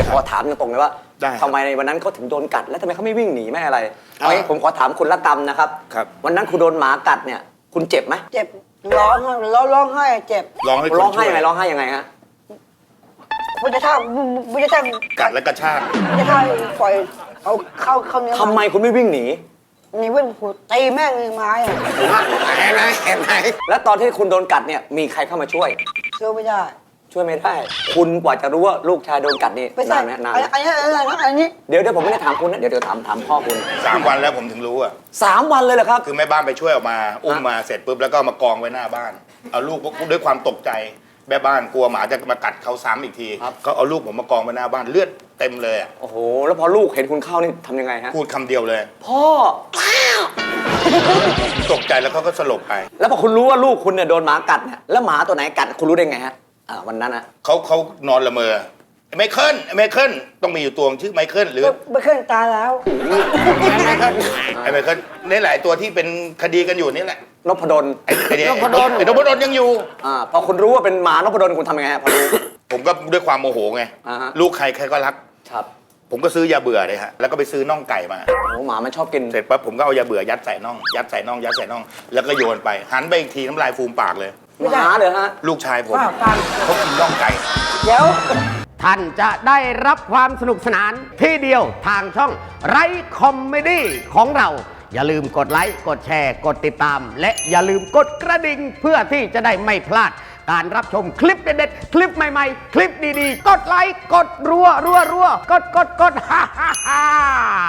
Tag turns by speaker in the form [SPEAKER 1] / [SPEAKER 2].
[SPEAKER 1] ขอถามตรงๆเลยว่าทำไมในวันนั้นเขาถึงโดนกัดแล้วทำไมเขาไม่วิ่งหนีไม่อะไรเอางี้ผมขอถามคุณละกรรมนะครับวันนั้นคุณโดนหมากัดเนี่ยคุณเจ็บไหม
[SPEAKER 2] เจ็บร้องไห้เจ็บ
[SPEAKER 1] ร้องไห้ยังไงร้องไห้ยังไงฮะ
[SPEAKER 2] มันจะท่า
[SPEAKER 3] กัดแล้วกระชาก
[SPEAKER 2] จะท่าปล่อยเอาเข้าเนื้อ
[SPEAKER 1] ทำไมคุณไม่วิ่งหนี
[SPEAKER 2] นี่วิ่งตีแม่งไม้อะ
[SPEAKER 1] เห็นไหมแล้วตอนที่คุณโดนกัดเนี่ยมีใครเข้ามาช่วย
[SPEAKER 2] ช่วยไม่ได้
[SPEAKER 1] คุณกว่าจะรู้ว่าลูกชายโดนกัดนี่
[SPEAKER 2] นานไหมนานอันนี้
[SPEAKER 1] เดี๋ยวผมไม่ได้ถามคุณนะเดี๋ยวถามพ่อคุณ
[SPEAKER 3] 3 วันแล้วผมถึงรู้อ่ะ
[SPEAKER 1] 3 วันเลยเหรอครับ
[SPEAKER 3] คือแม่บ้านไปช่วยออกมาอุ้มมาเสร็จปุ๊บแล้วก็มากองไว้หน้าบ้านเอาลูกด้วยความตกใจแม่บ้านกลัวหมาจะมากัดเขาซ้ำอีกทีก็เอาลูกผมมากองไว้หน้าบ้านเลือดเต็มเลยอ่ะ
[SPEAKER 1] โอ้โหแล้วพอลูกเห็นคุณเข้านี่ทำยังไงฮะ
[SPEAKER 3] พูดคำเดียวเลย
[SPEAKER 1] พ่อ
[SPEAKER 3] ตกใจแล้วเขาก็สลบไป
[SPEAKER 1] แล้วพอคุณรู้ว่าลูกคุณเนี่ยโดนหมากัดเนี่ยแล้วหมาตัวไหนกัดคุณรู้ได้ไงฮะวันนั้นนะ
[SPEAKER 3] เขานอนละเมอไมเคิลต้องมีอยู่ตัวชื่อไมเคิลหรือ
[SPEAKER 2] ไมเคิลตายแล้ว
[SPEAKER 3] ไมเคิลนี่หลายตัวที่เป็นคดีกันอยู่นี่แหละ
[SPEAKER 1] นพดล
[SPEAKER 3] นพดลยังอยู่
[SPEAKER 1] พอคุณรู้ว่าเป็นหมานพดลคุณทำยังไงฮะพอรู้
[SPEAKER 3] ผมก็ด้วยความโมโหไงลูกใครก็รัก
[SPEAKER 1] ครับ
[SPEAKER 3] ผมก็ซื้อยาเบื่อเลยฮะแล้วก็ไปซื้อน่องไก่มา
[SPEAKER 1] โอ้หมามันชอบกิน
[SPEAKER 3] เสร็จปั๊บผมก็เอายาเบื่อยัดใส่น่องแล้วก็โยนไปหันไปอีกทีน้ำลายฟูมปากเลย
[SPEAKER 1] หมาเลยฮะ
[SPEAKER 3] ลูกชายผมเขากินน่องไก่
[SPEAKER 2] เดี๋ยว
[SPEAKER 4] ท่านจะได้รับความสนุกสนานที่เดียวทางช่องไรคอมเมดี้ของเราอย่าลืมกดไลค์กดแชร์กดติดตามและอย่าลืมกดกระดิ่งเพื่อที่จะได้ไม่พลาดการรับชมคลิปเด็ดๆคลิปใหม่ๆคลิปดีๆกดไลค์กดรัวกดฮ่า